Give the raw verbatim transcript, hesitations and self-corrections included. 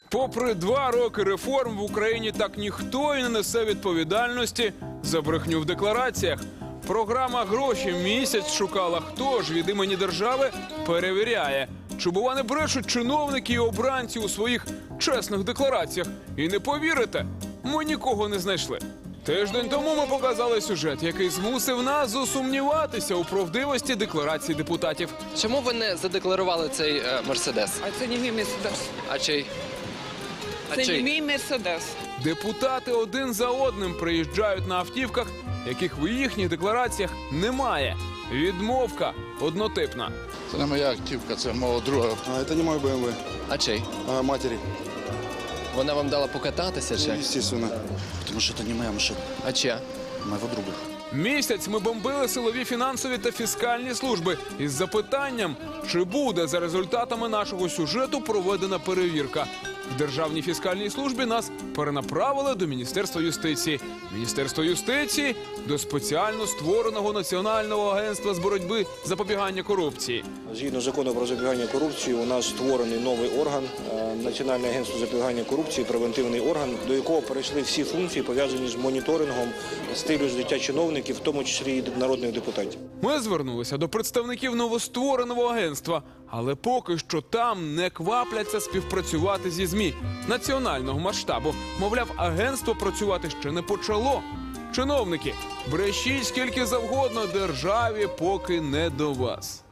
Попри два роки реформ в Україні так ніхто і не несе відповідальності за брехню в деклараціях. Програма «Гроші в місяць» шукала, хто ж від імені держави перевіряє, чи бува не брешуть чиновники і обранці у своїх чесних деклараціях. І не повірите, ми нікого не знайшли. Тиждень тому ми показали сюжет, який змусив нас засумніватися у правдивості декларацій депутатів. Чому ви не задекларували цей е, Мерседес? А це не мій Мерседес. А чий? А Це не чий? мій Мерседес. Депутати один за одним приїжджають на автівках, яких в їхніх деклараціях немає. Відмовка однотипна. Це не моя автівка, це мого друга. А это не мой бэ эм вэ, А чий? а матери. Вона вам дала покататися Ну, чи? естественно. Потому что это не моя машина, А чия? моего друга. Місяць ми бомбили силові, фінансові та фіскальні служби із запитанням, чи буде за результатами нашого сюжету проведена перевірка. В Державній фіскальній службі нас перенаправили до Міністерства юстиції. Міністерство юстиції – до спеціально створеного Національного агентства з боротьби запобігання корупції. Згідно закону про запобігання корупції, у нас створений новий орган е, – Національне агентство запобігання корупції, превентивний орган, до якого перейшли всі функції, пов'язані з моніторингом стилю життя чиновників, в тому числі і народних депутатів. Ми звернулися до представників новоствореного агентства, але поки що там не квапляться співпрацювати зі ЗМІ національного масштабу. Мовляв, агентство працювати ще не почало. Чиновники, брешіть скільки завгодно, державі поки не до вас.